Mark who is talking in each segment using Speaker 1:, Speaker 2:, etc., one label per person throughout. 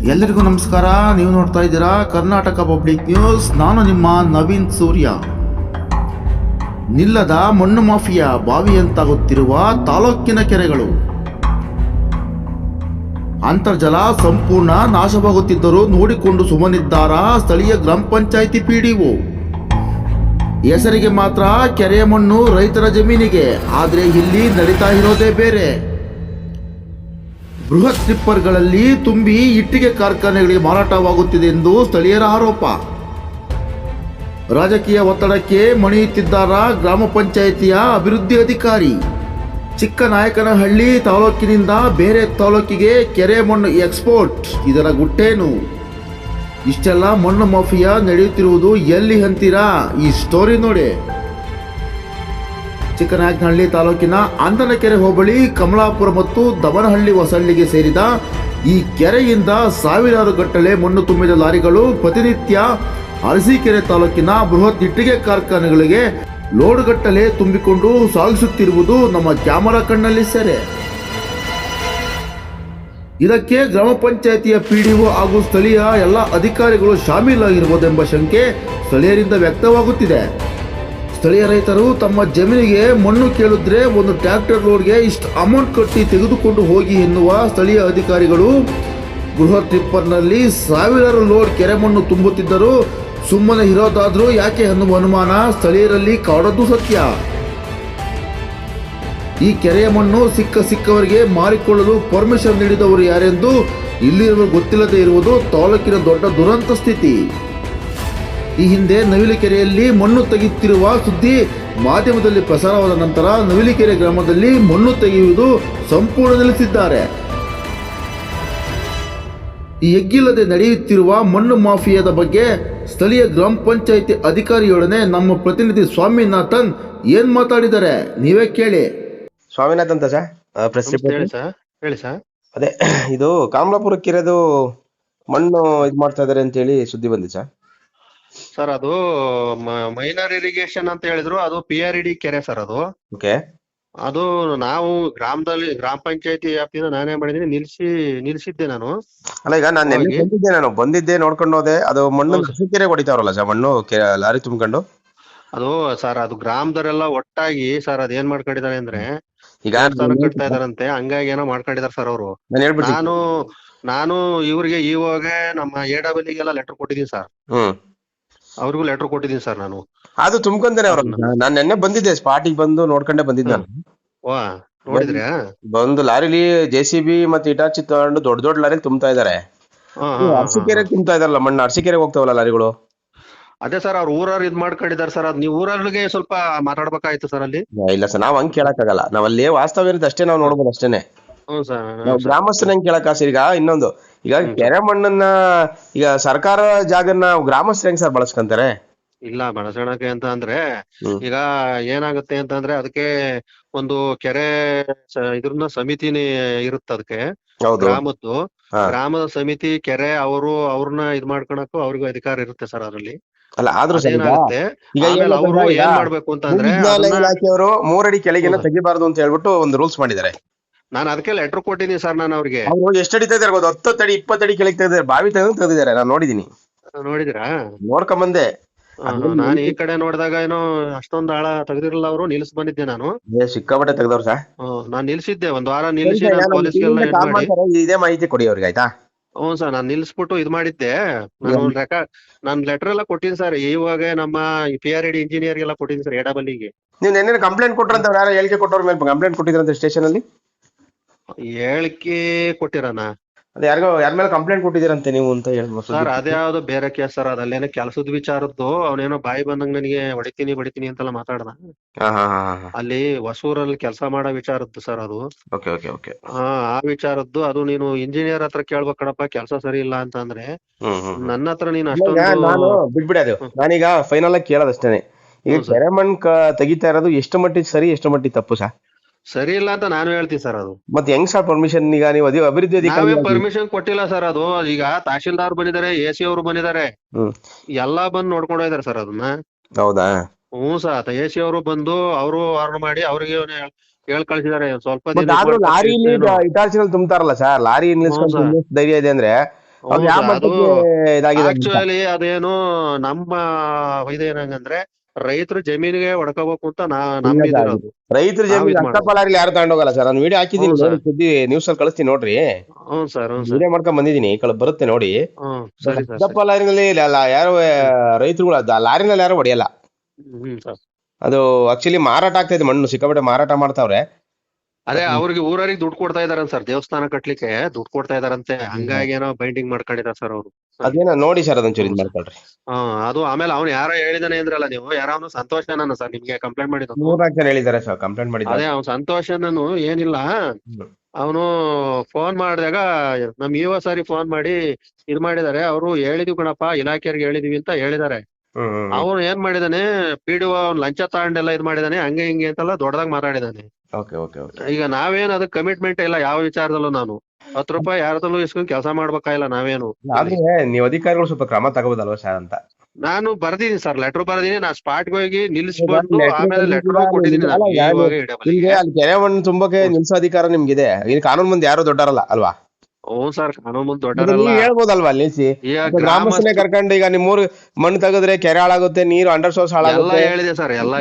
Speaker 1: ಎಲ್ಲರಿಗೂ ನಮಸ್ಕಾರ. ನೀವು ನೋಡ್ತಾ ಇದ್ದೀರಾ ಕರ್ನಾಟಕ ಪಬ್ಲಿಕ್ ನ್ಯೂಸ್. ನಾನು ನಿಮ್ಮ ನವೀನ್ ಸೂರ್ಯ. ನಿಲ್ಲದ ಮಣ್ಣು ಮಾಫಿಯಾ ಬಾವಿಯಂತಾಗುತ್ತಿರುವ ತಾಲೂಕಿನ ಕೆರೆಗಳು. ಅಂತರ್ಜಲ ಸಂಪೂರ್ಣ ನಾಶವಾಗುತ್ತಿದ್ದರೂ ನೋಡಿಕೊಂಡು ಸುಮ್ಮನಿದ್ದಾರಾ ಸ್ಥಳೀಯ ಗ್ರಾಮ ಪಂಚಾಯಿತಿ ಪಿಡಿಒ. ಹೆಸರಿಗೆ ಮಾತ್ರ ಕೆರೆಯ ಮಣ್ಣು ರೈತರ ಜಮೀನಿಗೆ, ಆದರೆ ಇಲ್ಲಿ ನಡೀತಾ ಇರೋದೇ ಬೇರೆ. ಬೃಹತ್ ಟಿಪ್ಪರ್ಗಳಲ್ಲಿ ತುಂಬಿ ಇಟ್ಟಿಗೆ ಕಾರ್ಖಾನೆಗಳಿಗೆ ಮಾರಾಟವಾಗುತ್ತಿದೆ ಎಂದು ಸ್ಥಳೀಯರ ಆರೋಪ. ರಾಜಕೀಯ ಒತ್ತಡಕ್ಕೆ ಮಣಿಯುತ್ತಿದ್ದಾರಾ ಗ್ರಾಮ ಪಂಚಾಯಿತಿಯ ಅಭಿವೃದ್ಧಿ ಅಧಿಕಾರಿ. ಚಿಕ್ಕನಾಯಕನಹಳ್ಳಿ ತಾಲೂಕಿನಿಂದ ಬೇರೆ ತಾಲೂಕಿಗೆ ಕೆರೆ ಮಣ್ಣು ಎಕ್ಸ್ಪೋರ್ಟ್, ಇದರ ಗುಟ್ಟೇನು? ಇಷ್ಟೆಲ್ಲ ಮಣ್ಣು ಮಾಫಿಯಾ ನಡೆಯುತ್ತಿರುವುದು ಎಲ್ಲಿ ಅಂತೀರಾ? ಈ ಸ್ಟೋರಿ ನೋಡಿ. ಚಿಕ್ಕನಾಯಕನಹಳ್ಳಿ ತಾಲೂಕಿನ ಅಂದನಕೆರೆ ಹೋಬಳಿ ಕಮಲಾಪುರ ಮತ್ತು ದಮನಹಳ್ಳಿ ಹೊಸಳ್ಳಿಗೆ ಸೇರಿದ ಈ ಕೆರೆಯಿಂದ ಸಾವಿರಾರು ಗಟ್ಟಲೆ ಮಣ್ಣು ತುಂಬಿದ ಲಾರಿಗಳು ಪ್ರತಿನಿತ್ಯ ಅರಸೀಕೆರೆ ತಾಲೂಕಿನ ಬೃಹತ್ ಇಟ್ಟಿಗೆ ಕಾರ್ಖಾನೆಗಳಿಗೆ ಲೋಡ್ಗಟ್ಟಲೆ ತುಂಬಿಕೊಂಡು ಸಾಗಿಸುತ್ತಿರುವುದು ನಮ್ಮ ಕ್ಯಾಮರಾ ಕಣ್ಣಲ್ಲಿ ಸೆರೆ. ಇದಕ್ಕೆ ಗ್ರಾಮ ಪಂಚಾಯಿತಿಯ ಪಿಡಿಒ ಹಾಗೂ ಸ್ಥಳೀಯ ಎಲ್ಲ ಅಧಿಕಾರಿಗಳು ಶಾಮೀಲಾಗಿರುವುದೆಂಬ ಶಂಕೆ ಸ್ಥಳೀಯರಿಂದ ವ್ಯಕ್ತವಾಗುತ್ತಿದೆ. ಸ್ಥಳೀಯ ರೈತರು ತಮ್ಮ ಜಮೀನಿಗೆ ಮಣ್ಣು ಕೇಳಿದ್ರೆ ಒಂದು ಟ್ರ್ಯಾಕ್ಟರ್ ಲೋಡ್ಗೆ ಇಷ್ಟು ಅಮೌಂಟ್ ಕಟ್ಟಿ ತೆಗೆದುಕೊಂಡು ಹೋಗಿ ಎನ್ನುವ ಸ್ಥಳೀಯ ಅಧಿಕಾರಿಗಳು ಬೃಹತ್ ಟಿಪ್ಪರ್ನಲ್ಲಿ ಸಾವಿರಾರು ಲೋಡ್ ಕೆರೆ ಮಣ್ಣು ತುಂಬುತ್ತಿದ್ದರೂ ಸುಮ್ಮನೆ ಇರೋದಾದ್ರೂ ಯಾಕೆ ಎನ್ನುವ ಅನುಮಾನ ಸ್ಥಳೀಯರಲ್ಲಿ ಕಾಡೋದು ಸತ್ಯ. ಈ ಕೆರೆಯ ಮಣ್ಣು ಸಿಕ್ಕವರಿಗೆ ಮಾರಿಕೊಳ್ಳಲು ಪರ್ಮಿಷನ್ ನೀಡಿದವರು ಯಾರೆಂದು ಇಲ್ಲಿರುವ ಗೊತ್ತಿಲ್ಲದೆ ಇರುವುದು ತಾಲೂಕಿನ ದೊಡ್ಡ ದುರಂತ ಸ್ಥಿತಿ. ಈ ಹಿಂದೆ ನವಿಲುಕೆರೆಯಲ್ಲಿ ಮಣ್ಣು ತೆಗೆಯುತ್ತಿರುವ ಸುದ್ದಿ ಮಾಧ್ಯಮದಲ್ಲಿ ಪ್ರಸಾರವಾದ ನಂತರ ನವಿಲುಕೆರೆ ಗ್ರಾಮದಲ್ಲಿ ಮಣ್ಣು ತೆಗೆಯುವುದು ಸಂಪೂರ್ಣ ನಿಲ್ಲಿಸಿದ್ದಾರೆ. ಈ ಎಗ್ಗಿಲ್ಲದೆ ನಡೆಯುತ್ತಿರುವ ಮಣ್ಣು ಮಾಫಿಯಾದ ಬಗ್ಗೆ ಸ್ಥಳೀಯ ಗ್ರಾಮ ಪಂಚಾಯಿತಿ ಅಧಿಕಾರಿಯೊಡನೆ ನಮ್ಮ ಪ್ರತಿನಿಧಿ ಸ್ವಾಮಿನಾಥನ್ ಏನ್ ಮಾತಾಡಿದ್ದಾರೆ ನೀವೇ ಕೇಳಿ.
Speaker 2: ಸ್ವಾಮಿನಾಥ್ ಅಂತ
Speaker 3: ಹೇಳಿ ಸರ್.
Speaker 2: ಅದೇ ಇದು ಕಮಲಾಪುರ ಕೆರೆದು ಮಣ್ಣು ಇದ್ ಮಾಡ್ತಾ ಇದಾರೆ ಅಂತ ಹೇಳಿ ಸುದ್ದಿ ಬಂದಿದೆ
Speaker 3: ಸರ್. ಅದು ಮೈನರ್ ಇರಿಗೇಷನ್ ಅಂತ ಹೇಳಿದ್ರು, ಅದು PRED ಕೆರೆ ಸರ್. ಅದು
Speaker 2: ಓಕೆ.
Speaker 3: ಅದು ನಾವು ಗ್ರಾಮ ಪಂಚಾಯತಿ ವ್ಯಾಪ್ತಿಯಿಂದ ನಾನೇ ಮಾಡಿದೀನಿ, ನಿಲ್ಸಿದ್ದೆ ನಾನು.
Speaker 2: ಅಲ್ಲ, ಈಗ ನಾನು ಬಂದಿದ್ದೆ ನೋಡ್ಕೊಂಡು ಹೋದೆ. ಅದು ಮಣ್ಣು ಕೆರೆ ಹೊಡಿತಾವ್ರಲ್ಲ ಸರ್, ಮಣ್ಣು ಲಾರಿ ತುಂಬ್ಕೊಂಡು.
Speaker 3: ಅದು ಸರ್, ಅದು ಗ್ರಾಮದವರೆಲ್ಲ ಒಟ್ಟಾಗಿ ಸರ್ ಅದೇನ್ ಮಾಡ್ಕೊಂಡಿದ್ದಾರೆ ಅಂದ್ರೆ
Speaker 2: ಈಗ
Speaker 3: ಕಟ್ತಾ ಇದಾರಂತೆ, ಹಂಗಾಗಿ ಏನೋ ಮಾಡ್ಕೊಂಡಿದಾರೆ ಸರ್ ಅವರು. ನಾನು ಇವ್ರಿಗೆ ಇವಾಗ ನಮ್ಮ AWL ಲೆಟರ್ ಕೊಟ್ಟಿದ್ದೀನಿ ಸರ್. ಅವ್ರಿಗೂ ಲೆಟರ್ ಕೊಟ್ಟಿದ್ದೀನಿ ಸರ್ ನಾನು.
Speaker 2: ಅದು ತುಂಬ್ಕೊಂತಾನೆ ಅವ್ರ. ನಾನ್ ನೆನ್ನೆ ಬಂದಿದ್ದೆ, ಸ್ಪಾಟಿಗೆ ಬಂದು ನೋಡ್ಕೊಂಡೆ ಬಂದಿದ್ದೆ ನಾನು.
Speaker 3: ವಾ, ನೋಡಿದ್ರಾ?
Speaker 2: ಬಂದು ಲಾರಿಲಿ JCB ಮತ್ತೆ ಇಟಾಚಿ ತಗೊಂಡು ದೊಡ್ಡ ದೊಡ್ಡ ಲಾರಿ ತುಂಬ್ತಾ ಇದಾರೆ. ಅರಸೀಕೆರೆ ತುಂಬ್ತಾ ಇದಾರಲ್ಲ ಮಣ್ಣು, ಅರಸೀಕೆರೆಗೆ ಹೋಗ್ತಾವಲ್ಲ ಲಾರಿಗಳು.
Speaker 3: ಅದೇ ಸರ್, ಅವ್ರ ಊರವ್ರು ಇದ್ ಮಾಡ್ಕೊಂಡಿದ್ದಾರೆ ಸರ್. ಅದ್ ನೀವು ಊರವ್ರಿಗೆ ಸ್ವಲ್ಪ ಮಾತಾಡ್ಬೇಕಾಯ್ತು ಸರ್ ಅಲ್ಲಿ.
Speaker 2: ಇಲ್ಲ ಸರ್, ನಾವ್ ಹಂಗ್ ಕೇಳಕ್ ಆಗಲ್ಲ. ನಾವ್ ಅಲ್ಲಿ ವಾಸ್ತವ ಇರೋದು ಅಷ್ಟೇ ನಾವ್ ನೋಡ್ಬೋದು ಅಷ್ಟೇನೆ.
Speaker 3: ಹ್ಞೂ ಸರ್.
Speaker 2: ನಾವು ಗ್ರಾಮಸ್ಥರ ಹೆಂಗ್ ಕೇಳಕ್ ಆಸೆ. ಈಗ ಇನ್ನೊಂದು, ಈಗ ಕೆರೆ ಮಣ್ಣನ್ನ ಈಗ ಸರ್ಕಾರ ಜಾಗನ್ನ ಗ್ರಾಮಸ್ಥರ ಹೆಂಗ್ ಸರ್ ಬಳಸ್ಕೊಂತಾರೆ?
Speaker 3: ಇಲ್ಲ, ಬಳಸೋಣಕ್ಕೆ ಅಂತ ಅಂದ್ರೆ ಈಗ ಏನಾಗುತ್ತೆ ಅಂತ ಅಂದ್ರೆ ಅದಕ್ಕೆ ಒಂದು ಕೆರೆ ಇದ್ರನ್ನ ಸಮಿತಿನೇ ಇರುತ್ತೆ ಅದಕ್ಕೆ, ಗ್ರಾಮದ್ದು. ಗ್ರಾಮದ ಸಮಿತಿ ಕೆರೆ ಅವ್ರನ್ನ ಇದ್ ಮಾಡ್ಕೊಳಕ್ಕೂ ಅವ್ರಿಗೂ ಅಧಿಕಾರ ಇರುತ್ತೆ ಸರ್ ಅದ್ರಲ್ಲಿ.
Speaker 2: ಅಲ್ಲ, ಆದ್ರೂ
Speaker 3: ಏನಾಗುತ್ತೆ ಅವರು ಏನ್ ಮಾಡ್ಬೇಕು ಅಂತಂದ್ರೆ
Speaker 2: ಇಲಾಖೆಯವರು 3 ಅಡಿ ಕೆಳಗಿನ ತೆಗಿಬಾರ್ದು ಅಂತ ಹೇಳ್ಬಿಟ್ಟು ಒಂದು ರೂಲ್ಸ್ ಮಾಡಿದ್ದಾರೆ.
Speaker 3: ನಾನು ಅದಕ್ಕೆ ಲೆಟರ್ ಕೊಟ್ಟಿದ್ದೀನಿ ಸರ್. ನಾನು ಅವ್ರಿಗೆ
Speaker 2: ಎಷ್ಟು ಅಡಿ ತೆಗೆದಾರೆ ಗೊತ್ತಾ? 10 ಅಡಿ 20 ಅಡಿ ಕೆಳಗೆ ತೆಗೆದಾರೆ, ಬಾವಿ ತೆಗೆದಿದ್ದಾರೆ. ನಾನು ನೋಡಿದೀನಿ.
Speaker 3: ನೋಡಿದ್ರಾ?
Speaker 2: ನೋಡ್ಕೊಂಬಂದೆ.
Speaker 3: ನಾನು ಈ ಕಡೆ ನೋಡಿದಾಗ ಏನೋ ಅಷ್ಟೊಂದು ಆಳ ತೆಗ್ದಿರಲ್ಲ, ಅವರು ನಿಲ್ಸ್ ಬಂದಿದ್ದೆ ನಾನು.
Speaker 2: ಸಿಕ್ಕಾಪಟ್ಟೆ ತೆಗ್ದವ್ರ ಸರ್.
Speaker 3: ನಾನ್ ನಿಲ್ಸಿದ್ದೆ, ಒಂದ್ ವಾರ ನಿಲ್ಸಿ ಪೊಲೀಸ್ಗೆಲ್ಲ
Speaker 2: ಇದೇ ಮಾಹಿತಿ ಕೊಡಿ ಅವ್ರಿಗೆ, ಆಯ್ತಾ?
Speaker 3: ಹ್ಞೂ ಸರ್, ನಾನ್ ನಿಲ್ಸ್ಬಿಟ್ಟು ಇದ್ ಮಾಡಿದ್ದೆ. ನಾನು ಲೆಟರ್ ಎಲ್ಲ ಕೊಟ್ಟಿನಿ ಸರ್. ಇವಾಗ ನಮ್ಮ PRED ಇಂಜಿನಿಯರ್ ಎಲ್ಲ ಕೊಟ್ಟಿದ್ದೀನಿ ಸರ್, AWLಗೆ.
Speaker 2: ನೀವು ನೆನ್ನೆ ಕಂಪ್ಲೇಂಟ್ ಕೊಟ್ರಂತ ಯಾರು ಹೇಳಿಕೆ ಕೊಟ್ಟವ್ರ ಮೇಲೆ ಕಂಪ್ಲೇಂಟ್ ಕೊಟ್ಟಿದ್ರಂತ ಸ್ಟೇಷನ್ ಅಲ್ಲಿ?
Speaker 3: ಹೇಳಿಕೆ ಕೊಟ್ಟಿರಣ?
Speaker 2: ಅದೇ ಯಾರ ಮೇಲೆ ಕಂಪ್ಲೇಂಟ್ ಕೊಟ್ಟಿದ್ದೀರಂತೆ ನೀವು ಅಂತ ಹೇಳ್ಬೋದು
Speaker 3: ಸರ್. ಅದ್ಯಾವ್ದು ಬೇರೆ ಕೇಸ್ ಸರ್. ಅದಲ್ಲೇನೋ ಕೆಲಸದ ವಿಚಾರದ್ದು. ಅವನೇನೋ ಬಾಯಿ ಬಂದಂಗ ನನಗೆ ಹೊಡಿತೀನಿ ಅಂತೆಲ್ಲ ಮಾತಾಡ್ದ. ಅಲ್ಲಿ ಹೊಸೂರಲ್ಲಿ ಕೆಲಸ ಮಾಡೋ ವಿಚಾರದ್ದು ಸರ್ ಅದು. ಆ ವಿಚಾರದ್ದು. ಅದು ನೀನು ಇಂಜಿನಿಯರ್ ಹತ್ರ ಕೇಳ್ಬೇಕ್ ಕಣಪ್ಪ, ಕೆಲಸ ಸರಿ ಇಲ್ಲ ಅಂತ ಅಂದ್ರೆ. ನನ್ನ ಹತ್ರ ನೀನು
Speaker 2: ನಾನು ಬಿಟ್ಬಿಡಿ. ಅದು ನಾನೀಗ ಫೈನಲ್ ಆಗಿ ಕೇಳೋದಷ್ಟೇನೆ. ಈಗ ಕೆರೆ ಮಣ್ಣು ತೆಗಿತಾ ಇರೋದು ಎಷ್ಟು ಮಟ್ಟಿಗೆ ಸರಿ, ಎಷ್ಟು ಮಟ್ಟಿಗೆ ತಪ್ಪು ಸರ್?
Speaker 3: ಸರಿ ಇಲ್ಲ ಅಂತ ನಾನು ಹೇಳ್ತೀನಿ ಸರ್. ಅದು ಮತ್ತೆ
Speaker 2: ಹೆಂಗ್ ಸರ್ ಪರ್ಮಿಷನ್? ಈಗ ನೀವು ಅಭಿವೃದ್ಧಿ
Speaker 3: ಪರ್ಮಿಷನ್ ಕೊಟ್ಟಿಲ್ಲ ಸರ್. ಅದು ಈಗ ತಹಶೀಲ್ದಾರ್ ಬಂದಿದ್ದಾರೆ, AC ಅವರು ಬಂದಿದ್ದಾರೆ, ಎಲ್ಲಾ ಬಂದು ನೋಡ್ಕೊಂಡು ಹೋಗಿದ್ದಾರೆ ಸರ್ ಅದನ್ನ.
Speaker 2: ಹೌದಾ?
Speaker 3: ಹ್ಞೂ ಸರ್. AC ಅವರು ಬಂದು ಅವರು ವಾರ್ನ್ ಮಾಡಿ ಅವ್ರಿಗೆ ಹೇಳ್ ಕಳ್ಸಿದ್ದಾರೆ. ಸ್ವಲ್ಪ
Speaker 2: ಲಾರಿ ಇಟಾಚಿನಲ್ಲಿ ತುಂಬ್ತಾರಲ್ಲ ಸರ್, ಲಾರಿ ಧೈರ್ಯ ಇದೆ ಅಂದ್ರೆ ಅದು ಯಾವ ಮಟ್ಟಕ್ಕೆ ಇದಾಗಿದೆ ಅಂತ.
Speaker 3: ಆಕ್ಚುಲಿ ಅದೇನು ನಮ್ಮ ಇದೇನಂಗಂದ್ರೆ ರೈತರು ಜಮೀನಿಗೆ ಹೊಡ್ಕೋಬೇಕು ಅಂತ ನಮ್ಮಿದಿರೋದು.
Speaker 2: ರೈತರ ಜಮೀನು ಅಕ್ಕಪಲ್ಲಾರಿ ಯಾರು ತಗೊಂಡೋಗಲ್ಲ ಸರ್. ನಾನು ವಿಡಿಯೋ ಹಾಕಿದ್ದೀನಿ ನೋಡಿ, ಸುದ್ದಿ ನ್ಯೂಸ್ ಅಲ್ಲಿ ಕಳಿಸ್ತೀನಿ ನೋಡ್ರಿ.
Speaker 3: ಹ್ಞೂ ಸರ್.
Speaker 2: ವಿಡಿಯೋ ಮಾಡ್ಕೊಂಡ್ ಬಂದಿದ್ದೀನಿ, ಬರುತ್ತೆ ನೋಡಿ.
Speaker 3: ಸರಿ ಸರ್.
Speaker 2: ಅಕ್ಕಪಲ್ಲಾರಿನಲ್ಲಿ ಯಾರು ರೈತರುಗಳು ಲಾರಿನಲ್ಲಿ ಯಾರು ಹೊಡೆಯಲ್ಲ. ಅದು ಆಕ್ಚುಲಿ ಮಾರಾಟ ಆಗ್ತಾ ಇದೆ, ಮಣ್ಣು ಸಿಕ್ಕಾಪಟ್ಟೆ ಮಾರಾಟ ಮಾಡ್ತಾವ್ರೆ.
Speaker 3: ಅದೇ ಅವ್ರಿಗೆ ಊರವ್ರಿಗೆ ದುಡ್ಡು ಕೊಡ್ತಾ ಇದಾರೆ ಸರ್, ದೇವಸ್ಥಾನ ಕಟ್ಲಿಕ್ಕೆ ದುಡ್ಡು ಕೊಡ್ತಾ ಇದಾರಂತೆ. ಹಂಗಾಗಿ ಏನೋ ಬೈಂಡಿಂಗ್ ಮಾಡ್ಕೊಂಡಿದ್ದಾರೆ ಸರ್ ಅವರು.
Speaker 2: ಅದೇನೋ ನೋಡಿ ಸರ್, ಅದೊಂಚೂರು ಇದು ಮಾಡ್ಕೊಳ್ರಿ.
Speaker 3: ಅದು ಆಮೇಲೆ ಅವ್ನು ಯಾರೋ ಹೇಳಿದಾನೆ ಅಂದ್ರಲ್ಲ ನೀವು, ಯಾರೋ ಸಂತೋಷನ ಸರ್ ನಿಮ್ಗೆ ಕಂಪ್ಲೇಂಟ್ ಮಾಡಿದ್ದು.
Speaker 2: 3 ಜನ ಹೇಳಿದ್ದಾರೆ ಸರ್ ಕಂಪ್ಲೇಂಟ್ ಮಾಡಿದ್ದಾರೆ.
Speaker 3: ಅದೇ ಅವ್ನು ಸಂತೋಷನನು ಏನಿಲ್ಲ, ಅವನು ಫೋನ್ ಮಾಡಿದಾಗ ನಮ್ ಇವ ಸಾರಿ ಫೋನ್ ಮಾಡಿ ಇದ್ ಮಾಡಿದಾರೆ. ಅವರು ಹೇಳಿದ್ವಿ ಕಣಪ್ಪ, ಇಲಾಖೆಯವ್ರಿಗೆ ಹೇಳಿದೀವಿ ಅಂತ ಹೇಳಿದಾರೆ. ಅವನು ಏನ್ ಮಾಡಿದಾನೆ, ಪಿಡಿಒ ಅವ್ನು ಲಂಚ ತಗೊಂಡೆಲ್ಲ ಇದ್ ಮಾಡಿದಾನೆ, ಹಂಗೆ ಹಿಂಗೆ ಅಂತೆಲ್ಲ ದೊಡ್ಡದಾಗ ಮಾತಾಡಿದಾನೆ. ಈಗ ನಾವೇನ್ ಅದಕ್ಕೆ ಕಮಿಟ್ಮೆಂಟ್ ಇಲ್ಲ ಯಾವ ವಿಚಾರದಲ್ಲೂ. ನಾನು 10 ರೂಪಾಯಿ ಯಾರದಲ್ಲೂ ಇಸ್ಕೊಂಡ್ ಕೆಲಸ ಮಾಡ್ಬೇಕಾಗಿಲ್ಲ ನಾವೇನು.
Speaker 2: ಆದ್ರೆ ನೀವು ಅಧಿಕಾರಿಗಳು ಸ್ವಲ್ಪ ಕ್ರಮ ತಗೋಬೋದಲ್ವಾ ಸರ್ ಅಂತ. ನಾನು
Speaker 3: ಬರ್ದಿದ್ದೀನಿ ಸರ್, ಲೆಟರ್ ಬರ್ದಿನಿ. ನಾ ಸ್ಪಾಟ್ ಹೋಗಿ ನಿಲ್ಸ್ಕೊಂಡು ಆಮೇಲೆ ಲೆಟರ್ ಕೊಟ್ಟಿದ್ದೀನಿ.
Speaker 2: ಅಲ್ಲಿ ಕೆರೆ ಮಣ್ಣು ತುಂಬಕ್ಕೆ ನಿಲ್ಸೋ ಅಧಿಕಾರ ನಿಮ್ಗಿದೆ. ಇಲ್ಲಿ ಕಾನೂನು ಮುಂದೆ ಯಾರು ದೊಡ್ಡರಲ್ಲ ಅಲ್ವಾ?
Speaker 3: ಹ್ಞೂ ಸರ್, ಕಾನೂನು ಮುಂದೆ ದೊಡ್ಡರಲ್ಲ.
Speaker 2: ಹೇಳ್ಬೋದಲ್ವಾ ನಿಲ್ಸಿ? ಗ್ರಾಮಸ್ಥನೇ ಕರ್ಕೊಂಡು ಈಗ ನಿಮ್ಮೂರ್ ಮಣ್ಣು ತೆಗೆದ್ರೆ ಕೆರೆ ಹಾಳಾಗುತ್ತೆ, ನೀರು ಅಂಡರ್ ಸೋರ್ಸ್ ಹಾಳಾಗುತ್ತೆ.
Speaker 3: ಎಲ್ಲ ಹೇಳಿದೆ ಸರ್, ಎಲ್ಲ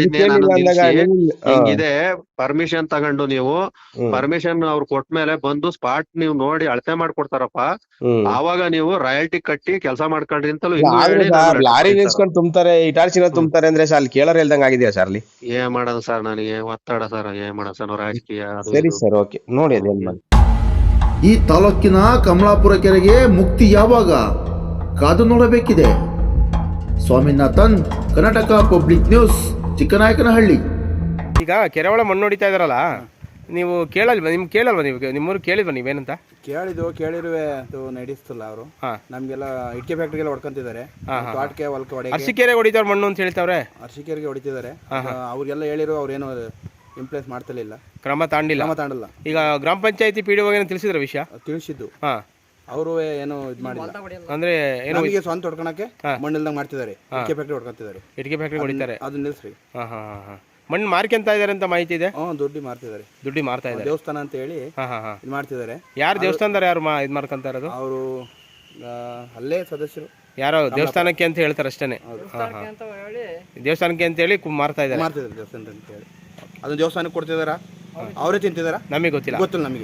Speaker 3: ಹೇಳಿದೆ. ಪರ್ಮಿಷನ್ ತಗೊಂಡು ನೀವು ಪರ್ಮಿಷನ್ ಅವ್ರು ಕೊಟ್ಮೇಲೆ ಬಂದು ಸ್ಪಾಟ್ ನೀವು ನೋಡಿ ಅಳತೆ ಮಾಡ್ಕೊಡ್ತಾರಪ್ಪ, ಆವಾಗ ನೀವು ರಾಯಲ್ಟಿ ಕಟ್ಟಿ ಕೆಲಸ ಮಾಡ್ಕೊಳ್ರಿ ಅಂತಲೂ.
Speaker 2: ಲಾರಿ ನಿಲ್ಸ್ಕೊಂಡು ತುಂಬ್ತಾರೆ, ಇಟಾರ್ಚಿನ ತುಂಬ್ತಾರೆ ಅಂದ್ರೆ ಅಲ್ಲಿ ಕೇಳೋರ್ ಹೇಳ್ದಂಗ ಆಗಿದೆಯಾ ಸರ್ ಅಲ್ಲಿ?
Speaker 3: ಏನ್ ಮಾಡೋದು ಸರ್, ನನಗೆ ಒತ್ತಡ ಸರ್, ಏನ್ ಮಾಡೋದು ಸರ್ ರಾಜಕೀಯ.
Speaker 2: ಸರಿ ಸರ್, ಓಕೆ ನೋಡಿ ಅದೇನ್ ಮಾಡಿ.
Speaker 1: ಈ ತಾಲೂಕಿನ ಕಮಲಾಪುರ ಕೆರೆಗೆ ಮುಕ್ತಿ ಯಾವಾಗ ಕಾದು ನೋಡಬೇಕಿದೆ. Swaminathan, Karnataka public news, Chikkanayakanahalli.
Speaker 2: ಈಗ ಕೆರೆ ಒಳ ಮಣ್ಣು ಹೊಡಿತಾ ಇದಾರಲ್ಲ, ನೀವು ಕೇಳಲ್ವಾ? ನಿಮ್ಗೆ ಕೇಳಲ್ವಾ? ನೀವು ನಿಮ್ಮೂರು ಕೇಳಿಲ್ವಾ ನೀವೇನಂತ?
Speaker 4: ಕೇಳಿರುವೆ ಅದು ನಡೆಸ್ತಿಲ್ಲ ಅವರು. ನಮ್ಗೆಲ್ಲ ಇಟ್ಕೆ ಫ್ಯಾಕ್ಟ್ರಿಗೆಲ್ಲ ಹೊಡ್ಕೊಂತಿದ್ದಾರೆ, ತೋಟಕ್ಕೆ ಹೊಲಕ್ಕೆ ಹೊಡೆ
Speaker 2: ಅರಸೀಕೆರೆ ಹೊಡಿತಾರ ಮಣ್ಣು ಅಂತ ಹೇಳ್ತಾವ್ರೆ.
Speaker 4: ಅರಸೀಕೆರೆಗೆ ಹೊಡಿತಿದ್ದಾರೆ. ಅವ್ರಿಗೆಲ್ಲ ಹೇಳಿರೋ ಅವ್ರೇನು ಇಂಪ್ಲೇಸ್ ಮಾಡ್ತಿರ್ಲಿಲ್ಲ,
Speaker 2: ಕ್ರಮ ತಾಂಡಿಲ್ಲ. ಈಗ ಗ್ರಾಮ ಪಂಚಾಯತಿ ಪಿಡಿಒ ಏನೋ ತಿಳಿಸಿದ್ರ ವಿಷಯ?
Speaker 4: ತಿಳಿಸಿದ್ದು ಅವರು ಏನು ಇದು ಮಾಡಿಲ್ಲ.
Speaker 2: ಅಂದ್ರೆ ಏನು
Speaker 4: ಸ್ವಂತ ಹೊಡ್ಕೊಳಕ್ಕೆ ಮಣ್ಣಿಲ್ದಂಗ ಮಾಡ್ತಿದ್ದಾರೆ, ಇಟ್ಕೆ ಫ್ಯಾಕ್ಟ್ರಿ ಹೊಡ್ಕೊಂತಿದ್ದಾರೆ.
Speaker 2: ಇಟ್ಕೆ ಫ್ಯಾಕ್ಟ್ರಿ ಹೊಡಿತಾರೆ,
Speaker 4: ಅದನ್ನ ನಿಲ್ಸ್ರಿ.
Speaker 2: ಮಣ್ಣು ಮಾರ್ಕೊಂತ ಇದಾರೆ ಅಂತ ಮಾಹಿತಿ ಇದೆ.
Speaker 4: ದುಡ್ಡು ಮಾರ್ತಿದ್ದಾರೆ,
Speaker 2: ಮಾರ್ತಾ ಇದ್ದಾರೆ.
Speaker 4: ದೇವಸ್ಥಾನ ಅಂತ ಹೇಳಿ ಇದು ಮಾಡ್ತಿದ್ದಾರೆ.
Speaker 2: ಯಾರು ದೇವಸ್ಥಾನದಾರ ಯಾರು ಇದು ಮಾಡ್ಕೊಂತ ಇರೋದು?
Speaker 4: ಅವರು ಅಲ್ಲೇ ಸದಸ್ಯರು,
Speaker 2: ಯಾರೋ ದೇವಸ್ಥಾನಕ್ಕೆ ಅಂತ ಹೇಳ್ತಾರೆ ಅಷ್ಟೇನೆ. ದೇವಸ್ಥಾನಕ್ಕೆ ಅಂತ ಹೇಳಿ ಮಾರ್ತಾ ಇದ್ದಾರೆ.
Speaker 4: ದೇವಸ್ಥಾನ ಅಂತ ಹೇಳಿ ಅದನ್ನ ದೇವಸ್ಥಾನಕ್ಕೆ ಕೊಡ್ತಿದಾರ, ಅವರೇ ತಿಂತಿದಾರ, ನಮಗೆ ಗೊತ್ತಿಲ್ಲ. ನಮಗೆ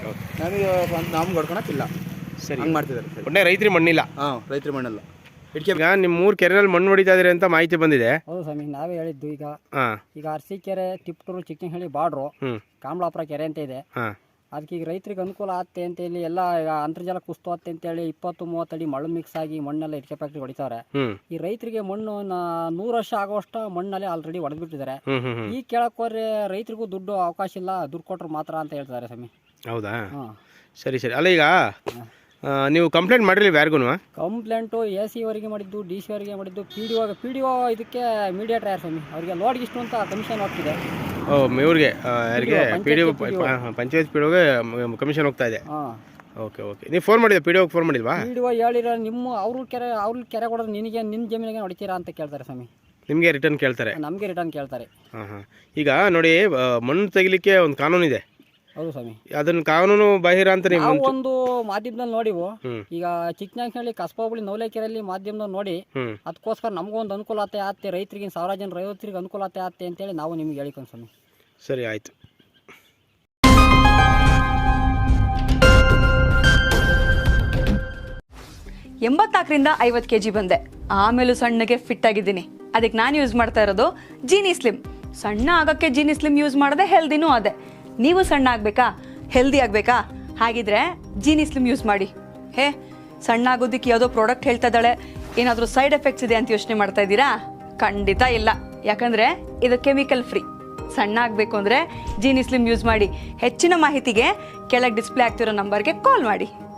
Speaker 4: ನಮ್ಗೆ ಹೊಡ್ಕೊಳಕ್ಕಿಲ್ಲ. ಸರಿ, ಹಂಗೆ ಮಾಡ್ತಿದ್ದಾರೆ.
Speaker 2: ಒಳ್ಳೆ ರೈತರಿ ಮಣ್ಣಿಲ್ಲ.
Speaker 4: ರೈತರಿ ಮಣ್ಣಲ್ಲ.
Speaker 2: ಈಗ ನಿಮ್ಮ 3 ಕೆರೆನಲ್ಲಿ ಮಣ್ಣು ಹೊಡಿತಾ ಇದಾರೆ ಅಂತ ಮಾಹಿತಿ ಬಂದಿದೆ.
Speaker 5: ಹೌದು ಸ್ವಾಮಿ, ನಾವೇ ಹೇಳಿದ್ದು. ಈಗ ಅರಸೀಕೆರೆ, ತಿಪ್ಟೂರು, ಚಿಕ್ಕನಹಳ್ಳಿ ಬಾರ್ಡ್ರು, ಕಮಲಾಪುರ ಕೆರೆ ಅಂತ ಇದೆ. ಅದಕ್ಕೆ ಈಗ ರೈತರಿಗೆ ಅನುಕೂಲ ಆಗುತ್ತೆ ಅಂತ ಹೇಳಿ ಎಲ್ಲ ಈಗ ಅಂತರ್ಜಲ ಕುಸ್ತೋತ್ತೆ ಅಂತೇಳಿ 20-30 ಅಡಿ ಮಣ್ಣು ಮಿಕ್ಸ್ ಆಗಿ ಮಣ್ಣೆಲ್ಲ ಇಟ್ಕೆ ಫ್ಯಾಕ್ಟ್ರಿ ಹೊಡಿತಾರೆ. ಈ ರೈತರಿಗೆ ಮಣ್ಣು 100 ವರ್ಷ ಆಗುವಷ್ಟು ಮಣ್ಣಲ್ಲಿ ಆಲ್ರೆಡಿ ಹೊಡೆದ್ಬಿಟ್ಟಿದ್ದಾರೆ. ಈ ಕೇಳಕ್ ಹೋದ್ರೆ ರೈತರಿಗೂ ದುಡ್ಡು ಅವಕಾಶ ಇಲ್ಲ, ದುಡ್ಡು ಕೊಟ್ರು ಮಾತ್ರ ಅಂತ ಹೇಳ್ತಾರೆ ಸ್ವಾಮಿ.
Speaker 2: ಹೌದಾ? ಸರಿ. ಅಲ್ಲ, ಈಗ ನೀವು ಕಂಪ್ಲೇಂಟ್ ಮಾಡಿರಲಿಲ್ಲ ಯಾರಿಗೂ?
Speaker 5: ಕಂಪ್ಲೇಂಟು AC ಅವರಿಗೆ ಮಾಡಿದ್ದು, DC ಅವರಿಗೆ ಮಾಡಿದ್ದು, PDO ಇದಕ್ಕೆ ಮೀಡಿಯೇಟರ್ ಯಾರು ಸ್ವಾಮಿ, ಅವರಿಗೆ ಲೋಡ್ಗೆ ಇಷ್ಟು ಅಂತ ಕಮಿಷನ್ ಹೋಗ್ತಿದೆ.
Speaker 2: ಇವ್ರಿಗೆ ಯಾರಿಗೆ? PDO, ಪಂಚಾಯತ್ PDOಗೆ ಕಮಿಷನ್ ಹೋಗ್ತಾ ಇದೆ. ಓಕೆ. ನೀವು ಫೋನ್ ಮಾಡಿದ್ದೆ PDOಗೆ? ಫೋನ್ ಮಾಡಿಲ್ವಾ?
Speaker 5: PDO ಹೇಳಿರೋ ಅವ್ರ ಕೆರೆ ಕೊಡೋದು ನಿನಗೆ, ನಿನ್ನ ಜಮೀನಿಗೆ ಹೊಡಿತೀರಾ ಅಂತ ಕೇಳ್ತಾರೆ ಸ್ವಾಮಿ.
Speaker 2: ನಿಮಗೆ ರಿಟರ್ನ್ ಕೇಳ್ತಾರೆ?
Speaker 5: ನಮಗೆ ರಿಟರ್ನ್ ಕೇಳ್ತಾರೆ.
Speaker 2: ಈಗ ನೋಡಿ, ಮಣ್ಣು ತೆಗಿಲಿಕ್ಕೆ ಒಂದು ಕಾನೂನು ಇದೆ.
Speaker 5: ಹೌದು ಸ್ವಾಮಿ,
Speaker 2: ಅದನ್ನ ಕಾನೂನು ಬಾಹಿರ ಅಂತ ನೀವು
Speaker 5: ಒಂದು ಮಾಧ್ಯಮದಲ್ಲಿ ನೋಡಿವು. ಈಗ ಚಿಕ್ಕನಾಯಕನಹಳ್ಳಿ ಕಸಬಾಬಳಿ ನವಲೇಕೆರೆಯಲ್ಲಿ ಮಾಧ್ಯಮದಲ್ಲಿ ನೋಡಿ, ಅದಕ್ಕೋಸ್ಕರ ನಮಗೊಂದು ಅನುಕೂಲ ಆಗುತ್ತೆ, ರೈತರಿಗೆ 1000 ಜನ ರೈತರಿಗೆ ಅನುಕೂಲ ಆಗುತ್ತೆ ಅಂತೇಳಿ ನಾವು ನಿಮ್ಗೆ ಹೇಳಿಕೊಂಡು ಸ್ವಾಮಿ.
Speaker 2: ಸರಿ, ಆಯ್ತು.
Speaker 6: 84ರಿಂದ 50 kg ಬಂದೆ. ಆಮೇಲೂ ಸಣ್ಣಗೆ ಫಿಟ್ ಆಗಿದ್ದೀನಿ. ಅದಕ್ಕೆ ನಾನು ಯೂಸ್ ಮಾಡ್ತಾ ಇರೋದು ಜೀನಿ ಸ್ಲಿಮ್. ಸಣ್ಣ ಆಗೋಕ್ಕೆ ಜೀನಿ ಸ್ಲಿಮ್ ಯೂಸ್ ಮಾಡಿದೆ, ಹೆಲ್ದಿನೂ ಅದೇ. ನೀವು ಸಣ್ಣ ಆಗಬೇಕಾ, ಹೆಲ್ದಿ ಆಗಬೇಕಾ? ಹಾಗಿದ್ರೆ ಜೀನಿ ಸ್ಲಿಮ್ ಯೂಸ್ ಮಾಡಿ. ಸಣ್ಣ ಆಗೋದಕ್ಕೆ ಯಾವುದೋ ಪ್ರಾಡಕ್ಟ್ ಹೇಳ್ತಾ ಇದ್ದಾಳೆ, ಏನಾದರೂ ಸೈಡ್ ಎಫೆಕ್ಟ್ಸ್ ಇದೆ ಅಂತ ಯೋಚನೆ ಮಾಡ್ತಾ ಇದ್ದೀರಾ? ಖಂಡಿತ ಇಲ್ಲ, ಯಾಕಂದರೆ ಇದು ಕೆಮಿಕಲ್ ಫ್ರೀ. ಸಣ್ಣ ಆಗಬೇಕು ಅಂದರೆ ಜೀನಿ ಸ್ಲಿಮ್ ಯೂಸ್ ಮಾಡಿ. ಹೆಚ್ಚಿನ ಮಾಹಿತಿಗೆ ಕೆಳಗೆ ಡಿಸ್ಪ್ಲೇ ಆಗ್ತಿರೋ ನಂಬರ್ಗೆ ಕಾಲ್ ಮಾಡಿ.